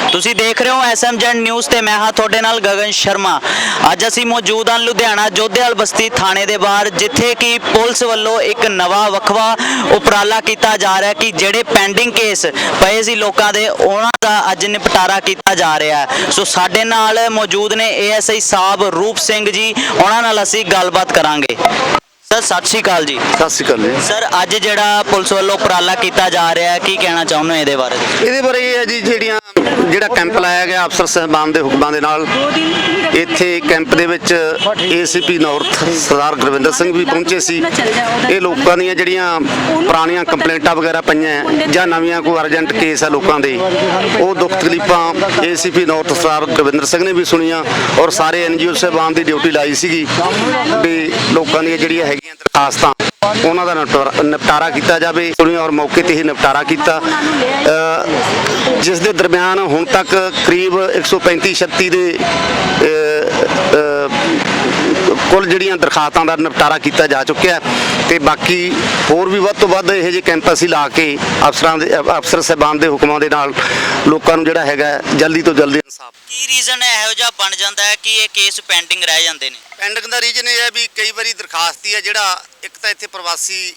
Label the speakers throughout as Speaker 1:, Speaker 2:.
Speaker 1: ਤੁਸੀਂ ਦੇਖ ਰਹੇ ਹੋ SMZ ਨਿਊਜ਼ ਤੇ ਮੈਂ ਹਾਂ ਤੁਹਾਡੇ ਨਾਲ ਗਗਨ ਸ਼ਰਮਾ। ਅੱਜ ਅਸੀਂ ਮੌਜੂਦ ਹਾਂ ਲੁਧਿਆਣਾ ਜੋਧੇਵਾਲ ਬਸਤੀ ਥਾਣੇ ਦੇ ਬਾਹਰ, ਜਿੱਥੇ ਕਿ ਪੁਲਿਸ ਵੱਲੋਂ ਇੱਕ ਨਵਾਂ ਵੱਖਵਾ ਉਪਰਾਲਾ ਕੀਤਾ ਜਾ ਰਿਹਾ ਕਿ ਜਿਹੜੇ ਪੈਂਡਿੰਗ ਕੇਸ ਪਏ ਸੀ ਲੋਕਾਂ ਦੇ, ਉਹਨਾਂ ਦਾ ਅੱਜ ਨਿਪਟਾਰਾ ਕੀਤਾ ਜਾ ਰਿਹਾ ਹੈ। ਸੋ ਸਾਡੇ ਨਾਲ ਮੌਜੂਦ ਨੇ ASI ਸਾਹਿਬ ਰੂਪ ਸਿੰਘ ਜੀ, ਉਹਨਾਂ ਨਾਲ ਅਸੀਂ ਗੱਲਬਾਤ ਕਰਾਂਗੇ। ਸਰ ਸਤਿ ਸ਼੍ਰੀ ਅਕਾਲ ਜੀ।
Speaker 2: ਸਤਿ ਸ਼੍ਰੀ ਅਕਾਲ ਜੀ।
Speaker 1: ਸਰ ਅੱਜ ਜਿਹੜਾ ਪੁਲਿਸ ਵੱਲੋਂ ਉਪਰਾਲਾ ਕੀਤਾ ਜਾ ਰਿਹਾ ਹੈ, ਕੀ ਕਹਿਣਾ ਚਾਹੁੰਦੇ ਹੋ ਇਹਦੇ ਬਾਰੇ?
Speaker 2: ਇਹਦੇ ਬਾਰੇ ਇਹ ਹੈ ਜੀ, ਜਿਹੜਾ ਕੈਂਪ ਲਾਇਆ ਗਿਆ ਅਫਸਰ ਸਾਹਿਬਾਨ ਦੇ ਹੁਕਮਾਂ ਦੇ ਨਾਲ, ਇੱਥੇ ਕੈਂਪ ਦੇ ਵਿੱਚ ACP ਨਾਰਥ ਸਰਦਾਰ ਗੁਰਵਿੰਦਰ ਸਿੰਘ ਵੀ ਪਹੁੰਚੇ ਸੀ। ਇਹ ਲੋਕਾਂ ਦੀਆਂ ਜਿਹੜੀਆਂ ਪੁਰਾਣੀਆਂ ਕੰਪਲੇਂਟਾਂ ਵਗੈਰਾ ਪਈਆਂ ਜਾਂ ਨਵੀਆਂ ਕੋਈ ਅਰਜੈਂਟ ਕੇਸ ਆ ਲੋਕਾਂ ਦੇ, ਉਹ ਦੁੱਖ ਤਕਲੀਫਾਂ ACP ਨਾਰਥ ਸਰਦਾਰ ਗੁਰਵਿੰਦਰ ਸਿੰਘ ਨੇ ਵੀ ਸੁਣੀਆਂ ਔਰ ਸਾਰੇ NGO ਸਾਹਿਬਾਨ ਦੀ ਡਿਊਟੀ ਲਾਈ ਸੀਗੀ ਵੀ ਲੋਕਾਂ ਦੀਆਂ ਜਿਹੜੀਆਂ ਹੈਗੀਆਂ ਦਰਖਾਸਤਾਂ ਉਹਨਾਂ ਦਾ ਨਿਪਟਾਰਾ ਕੀਤਾ ਜਾਵੇ। ਔਰ ਮੌਕੇ ਤੇ ਹੀ ਨਿਪਟਾਰਾ ਕੀਤਾ, ਜਿਸ ਦੇ ਦਰਮਿਆਨ ਹੁਣ ਤੱਕ ਕਰੀਬ 135-36 ਦੇ ਕੁੱਲ ਜਿਹੜੀਆਂ ਦਰਖਾਸਤਾਂ ਦਾ ਨਿਪਟਾਰਾ ਕੀਤਾ ਜਾ ਚੁੱਕਿਆ ਤੇ ਬਾਕੀ ਹੋਰ ਵੀ ਵੱਧ ਤੋਂ ਵੱਧ ਇਹੋ ਜਿਹੇ ਕੈਂਪ ਅਸੀਂ ਲਾ ਕੇ ਅਫਸਰ ਸਾਹਿਬਾਨ ਦੇ ਹੁਕਮਾਂ ਦੇ ਨਾਲ ਲੋਕਾਂ ਨੂੰ ਜਿਹੜਾ ਹੈਗਾ ਜਲਦੀ ਤੋਂ ਜਲਦੀ ਇਨਸਾਫ।
Speaker 1: ਕੀ ਰੀਜ਼ਨ ਇਹੋ ਜਿਹਾ ਬਣ ਜਾਂਦਾ ਹੈ ਕਿ ਇਹ ਕੇਸ ਪੈਂਡਿੰਗ ਰਹਿ ਜਾਂਦੇ ਨੇ?
Speaker 2: ਪੈਂਡਿੰਗ ਦਾ ਰੀਜ਼ਨ ਇਹ ਹੈ ਵੀ ਕਈ ਵਾਰੀ ਦਰਖਾਸਤ ਹੈ ਜਿਹੜਾ ਇੱਕ ਤਾਂ ਇੱਥੇ ਪ੍ਰਵਾਸੀ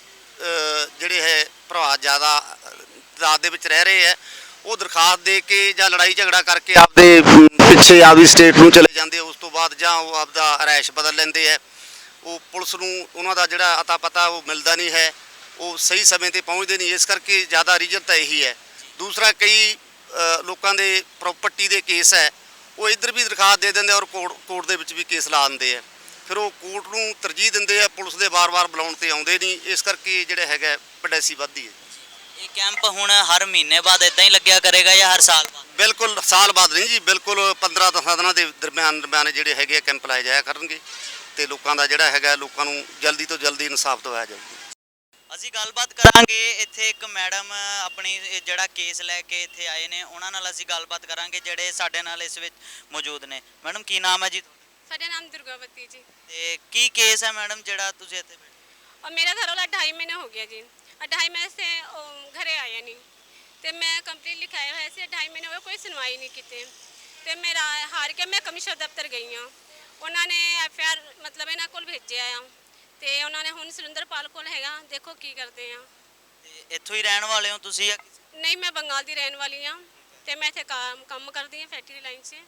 Speaker 2: ਜਿਹੜੇ ਹੈ ਭਰਾ ਜ਼ਿਆਦਾ ਤਾਦਾਦ ਦੇ ਵਿੱਚ ਰਹਿ ਰਹੇ ਹੈ, ਉਹ ਦਰਖਾਸਤ ਦੇ ਕੇ ਜਾਂ ਲੜਾਈ ਝਗੜਾ ਕਰਕੇ ਆਪਦੇ ਪਿੱਛੇ ਆਪਦੀ ਸਟੇਟ ਨੂੰ ਚਲੇ ਜਾਂਦੇ, ਉਸ ਤੋਂ ਬਾਅਦ ਜਾਂ ਉਹ ਆਪਦਾ ਰਿਹਾਇਸ਼ ਬਦਲ ਲੈਂਦੇ ਹੈ। ਉਹ ਪੁਲਿਸ ਨੂੰ ਉਹਨਾਂ ਦਾ ਜਿਹੜਾ ਅਤਾ ਪਤਾ ਉਹ ਮਿਲਦਾ ਨਹੀਂ ਹੈ, ਉਹ ਸਹੀ ਸਮੇਂ ਤੇ ਪਹੁੰਚਦੇ ਨਹੀਂ, ਇਸ ਕਰਕੇ ਜ਼ਿਆਦਾ ਰੀਜ਼ਨ ਤਾਂ ਇਹੀ ਹੈ। ਦੂਸਰਾ, ਕਈ ਲੋਕਾਂ ਦੇ ਪ੍ਰੋਪਰਟੀ ਦੇ ਕੇਸ ਹੈ, ਉਹ ਇੱਧਰ ਵੀ ਦਰਖਾਸਤ ਦੇ ਦਿੰਦੇ ਔਰ ਕੋਰਟ ਦੇ ਵਿੱਚ ਵੀ ਕੇਸ ਲਾ ਦਿੰਦੇ ਆ, ਫਿਰ ਉਹ ਕੋਰਟ ਨੂੰ ਤਰਜੀਹ ਦਿੰਦੇ ਆ, ਪੁਲਿਸ ਦੇ ਵਾਰ-ਵਾਰ ਬੁਲਾਉਣ ਤੇ ਆਉਂਦੇ ਨਹੀਂ, ਇਸ ਕਰਕੇ ਜਿਹੜਾ ਹੈਗਾ ਪਡੈਸੀ ਵੱਧਦੀ ਹੈ।
Speaker 1: ਇਹ ਕੈਂਪ ਹੁਣ ਹਰ ਮਹੀਨੇ ਬਾਅਦ ਇਦਾਂ ਹੀ ਲੱਗਿਆ ਕਰੇਗਾ ਜਾਂ ਹਰ ਸਾਲ ਬਾਅਦ?
Speaker 2: ਬਿਲਕੁਲ ਸਾਲ ਬਾਅਦ ਨਹੀਂ ਜੀ, ਬਿਲਕੁਲ 15-10 ਦਿਨਾਂ ਦੇ ਦਰਮਿਆਨ ਜਿਹੜੇ ਹੈਗੇ ਕੈਂਪ ਲਾਏ ਜਾਇਆ ਕਰਨਗੇ ਤੇ ਲੋਕਾਂ ਦਾ ਜਿਹੜਾ ਹੈਗਾ ਲੋਕਾਂ ਨੂੰ ਜਲਦੀ ਤੋਂ ਜਲਦੀ ਇਨਸਾਫ ਦਿਵਾਇਆ ਜਾਊਗਾ।
Speaker 1: ਅਸੀਂ ਗੱਲਬਾਤ ਕਰਾਂਗੇ। ਇੱਥੇ ਇੱਕ ਮੈਡਮ ਆਪਣੀ ਜਿਹੜਾ ਕੇਸ ਲੈ ਕੇ ਇੱਥੇ ਆਏ ਨੇ, ਉਹਨਾਂ ਨਾਲ ਅਸੀਂ ਗੱਲਬਾਤ ਕਰਾਂਗੇ ਜਿਹੜੇ ਸਾਡੇ ਨਾਲ ਇਸ ਵਿੱਚ ਮੌਜੂਦ ਨੇ। ਮੈਡਮ ਕੀ ਨਾਮ ਹੈ ਜੀ?
Speaker 3: ਸਾਡਾ ਨਾਮ ਦੁਰਗਾਵਤੀ ਜੀ।
Speaker 1: ਤੇ ਕੀ ਕੇਸ ਹੈ ਮੈਡਮ ਜਿਹੜਾ ਤੁਸੀਂ ਇੱਥੇ ਬੈਠੇ?
Speaker 3: और मेरा घर वाला 2.5 महीने हो गया जी, 2.5 महीने से घरे आया नहीं तो मैं कंप्लेंट लिखाया हुआ ऐसे 2.5 महीने हो गए, कोई सुनवाई नहीं की तो मेरा हार के मैं कमिश्नर दफ्तर गई हाँ, उन्होंने FIR मतलब इन्होंने को भेजे आया तो उन्होंने हूँ सुरिंदरपाल को हैगा, देखो की करते हैं।
Speaker 1: ਇੱਥੋਂ ਹੀ ਰਹਿਣ ਵਾਲੇ ਹੋ ਤੁਸੀਂ?
Speaker 3: नहीं, मैं बंगाल की रहने वाली हाँ तो मैं इतने काम करती हाँ फैक्ट्री लाइन से,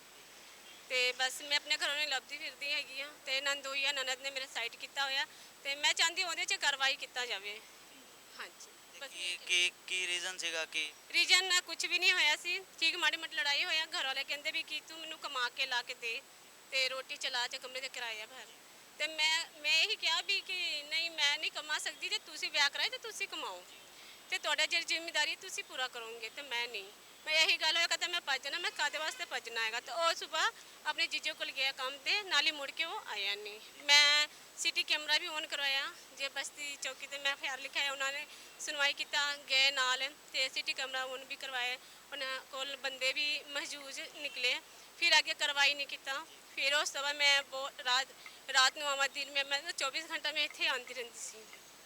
Speaker 3: तो बस मैं अपने घरों नहीं लभदी फिरदी हैगी हाँ। तो नंदोई है ननद ने मेरे साइड किया होया तो मैं चाहती ਉਹਦੇ 'ਚ कार्रवाई किया जाए। हाँ जी।
Speaker 1: ਕੀ ਰੀਜ਼ਨ ਸੀਗਾ? ਕਿ
Speaker 3: ਰੀਜਨ ਕੁਝ ਵੀ ਨਹੀਂ ਹੋਇਆ ਸੀ, ਠੀਕ ਮਾੜੀ ਮੋਟੀ ਲੜਾਈ ਹੋਇਆ, ਘਰ ਵਾਲੇ ਕਹਿੰਦੇ ਵੀ ਕਿ ਤੂੰ ਮੈਨੂੰ ਕਮਾ ਕੇ ਲਾ ਕੇ ਦੇ ਤੇ ਰੋਟੀ ਚਲਾ ਤੇ ਕਮਰੇ ਦੇ ਕਿਰਾਇਆ ਭਰ, ਤੇ ਮੈਂ ਇਹੀ ਕਿਹਾ ਵੀ ਕਿ ਨਹੀਂ ਮੈਂ ਨਹੀਂ ਕਮਾ ਸਕਦੀ, ਤੇ ਤੁਸੀਂ ਵਿਆਹ ਕਰਾਏ ਤੇ ਤੁਸੀਂ ਕਮਾਓ ਤੇ ਤੁਹਾਡਾ ਜਿਹੜੀ ਜ਼ਿੰਮੇਵਾਰੀ ਤੁਸੀਂ ਪੂਰਾ ਕਰੋਗੇ ਤੇ ਮੈਂ ਨਹੀਂ। मैं यही गल होया कहता मैं भजना, मैं कादे वास्ते भजना है तो वह सुबह अपने जीजो को गया काम ते नाली मुड़ के वो आया नहीं। मैं सिटी कैमरा भी ऑन करवाया जे बस्ती चौकी ते मैं FIR लिखाया, उन्होंने सुनवाई किया गए नाल ते सिटी कैमरा ऑन भी करवाया, उन्होंने कोल बंदे भी महजूज निकले, फिर आगे कार्रवाई नहीं किया। फिर उस तो बाद मैं रात को आवा, दिन में मैं 24 घंटा में इतने आती रही सी।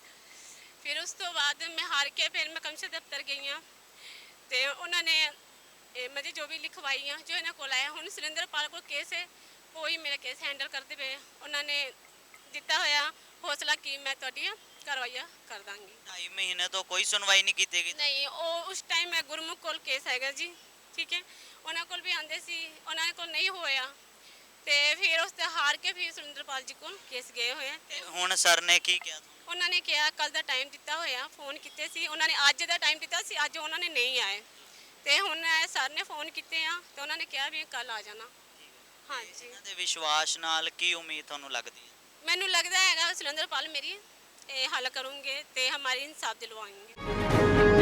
Speaker 3: फिर उस तो बाद मैं हार के फिर मैं कमिश्नर दफ्तर गई हाँ तो उन्होंने मुझे जो भी लिखवाई हाँ जो इन्होंने को आया, हूँ सुरिंदरपाल को केस है वो ही मेरा केस हैंडल करते पे, उन्होंने दिता होया हौसला कि मैं थोड़ी कार्रवाई कर दाँगी।
Speaker 1: 2.5 महीने तो कोई सुनवाई नहीं की गई?
Speaker 3: नहीं, वो उस टाइम मैं गुरमुख कोल केस हैगा जी, ठीक है, उन्होंने कोल भी आते सी, उन्होंने कोल नहीं होया तो फिर उस हार के फिर सुरिंदरपाल जी को केस गए हुए।
Speaker 1: ਹੁਣ ਸਰ ਨੇ ਕੀ ਕਿਹਾ?
Speaker 3: उन्होंने कहा कल का टाइम दिता होया, फोन किए सी उन्होंने, अज का टाइम दिता सी, अज उन्होंने नहीं आए तो हुण सर ने फोन किए हाँ तो उन्होंने कहा भी कल आ जाना। हाँ जी।
Speaker 1: ਇਹਨਾਂ ਦੇ ਵਿਸ਼ਵਾਸ ਨਾਲ ਕੀ ਉਮੀਦ ਤੁਹਾਨੂੰ ਲੱਗਦੀ ਹੈ?
Speaker 3: मैनू लगता है सुरिंदरपाल मेरी हल करूँगे तो हमारी इंसाफ दिलवाएंगे।